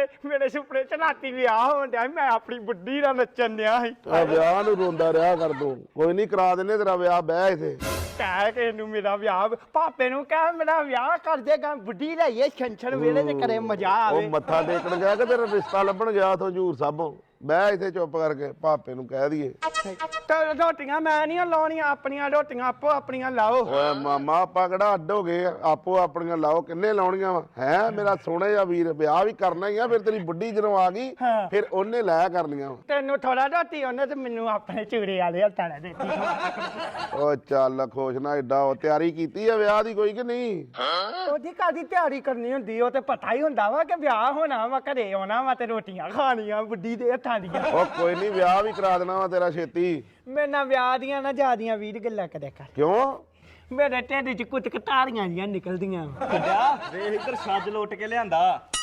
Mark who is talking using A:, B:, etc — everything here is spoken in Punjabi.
A: ਮੇਰੇ ਸੁਪਨੇ ਚ ਰਾਤੀ ਵਿਆਹ ਹੋਣ ਡਿਆ ਸੀ, ਮੈਂ ਆਪਣੀ ਬੁੱਢੀ ਨਾਲ ਨੱਚਣ ਡਿਆ ਸੀ।
B: ਵਿਆਹ ਨੂੰ ਰੋਂਦਾ ਰਿਹਾ ਕਰ ਤੂੰ। ਕੋਈ ਨਹੀਂ ਕਰਾ ਦਿੰਨੇ ਤੇਰਾ ਵਿਆਹ, ਬਹਿ ਇੱਥੇ।
A: ਕਹਿ ਕੇ ਨੂੰ ਮੇਰਾ ਵਿਆਹ, ਪਾਪੇ ਨੂੰ ਕਹਿ ਮੇਰਾ ਵਿਆਹ ਕਰ ਦੇਗਾ, ਬੁੱਢੀ ਲਈਏ ਛੰਛਣ ਵੇਲੇ ਤੇ ਕਰੇ ਮਜ਼ਾ
B: ਉਹ
A: ਆਵੇ।
B: ਮੱਥਾ ਟੇਕਣ ਗਿਆ ਕਿ ਤੇਰਾ ਰਿਸ਼ਤਾ ਲੱਭਣ ਗਿਆ ਤੋਂ ਹਜ਼ੂਰ ਸਾਹਿਬੋਂ। ਬਹਿ ਇੱਥੇ ਚੁੱਪ ਕਰਕੇ, ਪਾਪੇ ਨੂੰ ਕਹਿ ਦਈਏ।
A: ਤੇ ਰੋਟੀਆਂ ਮੈਂ ਨਹੀਂ ਲਾਉਣੀਆਂ, ਆਪਣੀਆਂ ਰੋਟੀਆਂ ਆਪੋ ਆਪਣੀਆਂ ਲਾਓ।
B: ਓਏ ਮਾਮਾ ਆਪਾਂ ਕਿਹੜਾ ਅੱਡ ਹੋ ਗਏ ਆ? ਆਪੋ ਆਪਣੀਆਂ ਲਾਓ, ਕਿੰਨੇ ਲਾਉਣੀਆਂ ਵਾ? ਹੈ ਮੇਰਾ ਸੋਹਣਾ ਜਿਹਾ ਵੀਰ, ਵਿਆਹ ਵੀ ਕਰਨਾ ਹੀ ਆ। ਫਿਰ ਤੇਰੀ ਬੁੱਢੀ ਜਦੋਂ ਆ ਗਈ
A: ਹਾਂ।
B: ਫਿਰ ਉਹਨੇ ਲਾਇਆ ਕਰਨੀਆਂ ਵਾ।
A: ਤੈਨੂੰ ਥੋੜਾ ਰੋਟੀ ਉਹਨੇ ਤੇ ਮੈਨੂੰ ਆਪਣੇ ਚੂੜੇ ਵਾਲੇ ਹੱਥਾਂ ਨਾਲ ਦਿੱਤੀ।
B: ਓ ਚੱਲ ਖੁਸ਼ ਨਾ ਏਡਾ। ਉਹ ਤਿਆਰੀ ਕੀਤੀ ਆ ਵਿਆਹ ਦੀ ਕੋਈ ਕਿ ਨਹੀਂ?
A: ਉਹਦੀ ਕਾਦੀ ਤਿਆਰੀ ਕਰਨੀ ਹੁੰਦੀ, ਉਹ ਤੇ ਪਤਾ ਹੀ ਹੁੰਦਾ ਵਾ ਕਿ ਵਿਆਹ ਹੋਣਾ ਵਾ, ਘਰੇ ਆਉਣਾ ਵਾ ਤੇ ਰੋਟੀਆਂ ਖਾਣੀਆਂ ਬੁੱਢੀ ਦੇ ਹੱਥਾਂ ਦੀਆਂ।
B: ਉਹ ਕੋਈ ਨਹੀਂ, ਵਿਆਹ ਵੀ ਕਰਾ ਦੇਣਾ ਵਾ ਤੇਰਾ ਛੇਤੀ।
A: ਮੇਰੇ ਨਾਲ ਵਿਆਹ ਦੀਆਂ ਨਾ ਜਿਆਦੀਆਂ ਵੀਰ ਗੱਲਾਂ ਕਰਿਆ ਕਰ।
B: ਕਿਉਂ?
A: ਮੇਰੇ ਢਿੱਡ 'ਚ ਕੁਝ ਕਟਾਰੀਆਂ ਜੀਆਂ ਨਿਕਲਦੀਆਂ।
C: ਵੇਖ ਇੱਧਰ ਛੱਜ ਲੁੱਟ ਕੇ ਲਿਆਂਦਾ।